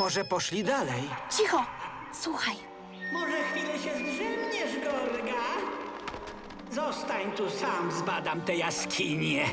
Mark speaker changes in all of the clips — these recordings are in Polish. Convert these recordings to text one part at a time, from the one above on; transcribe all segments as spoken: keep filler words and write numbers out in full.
Speaker 1: Może poszli dalej?
Speaker 2: Cicho! Słuchaj.
Speaker 3: Może chwilę się zdrzemniesz, Gorga? Zostań tu sam, zbadam tę jaskinię.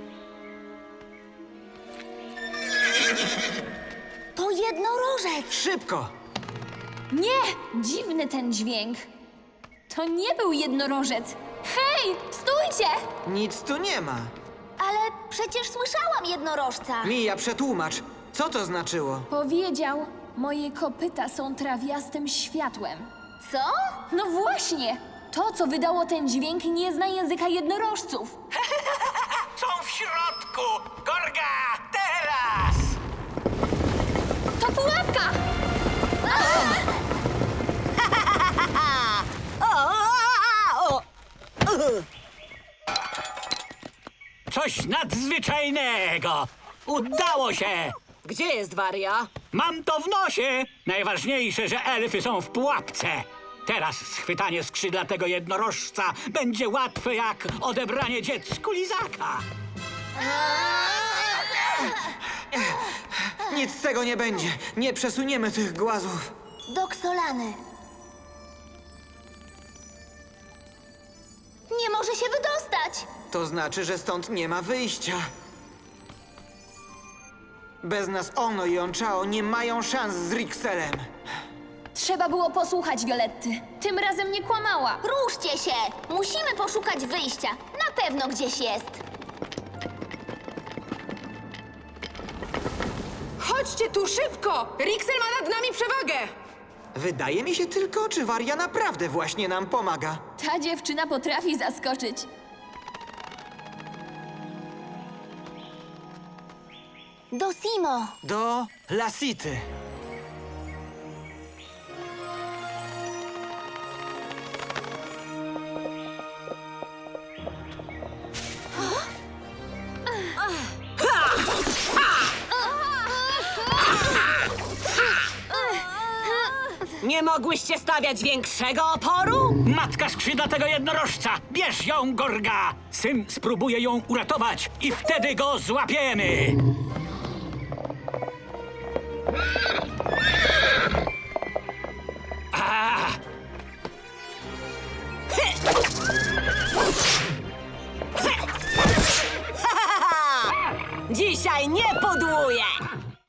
Speaker 2: To jednorożec!
Speaker 1: Szybko!
Speaker 4: Nie! Dziwny ten dźwięk. To nie był jednorożec. Hej, stójcie!
Speaker 1: Nic tu nie ma.
Speaker 2: Ale przecież słyszałam jednorożca.
Speaker 1: Mija, przetłumacz. Co to znaczyło?
Speaker 4: Powiedział, moje kopyta są trawiastym światłem.
Speaker 2: Co?
Speaker 4: No właśnie! To, co wydało ten dźwięk, nie zna języka jednorożców.
Speaker 3: Są w środku! Gorga, teraz!
Speaker 4: To pułapka!
Speaker 3: Coś nadzwyczajnego! Udało się!
Speaker 5: Gdzie jest Waria?
Speaker 3: Mam to w nosie! Najważniejsze, że elfy są w pułapce. Teraz schwytanie skrzydlatego jednorożca będzie łatwe jak odebranie dziecku lizaka.
Speaker 1: Nic z tego nie będzie. Nie przesuniemy tych głazów.
Speaker 2: Doksolany. Nie może się wydostać.
Speaker 1: To znaczy, że stąd nie ma wyjścia. Bez nas Ono i Onchao nie mają szans z Rikselem.
Speaker 4: Trzeba było posłuchać Violetty. Tym razem nie kłamała.
Speaker 2: Ruszcie się! Musimy poszukać wyjścia. Na pewno gdzieś jest.
Speaker 5: Chodźcie tu szybko! Rixel ma nad nami przewagę!
Speaker 1: Wydaje mi się tylko, czy Waria naprawdę właśnie nam pomaga.
Speaker 4: Ta dziewczyna potrafi zaskoczyć.
Speaker 2: Do Simo.
Speaker 1: Do Lasity.
Speaker 5: Nie mogłyście stawiać większego oporu?
Speaker 3: Matka skrzydlatego jednorożca! Bierz ją, Gorga! Syn spróbuje ją uratować i wtedy go złapiemy!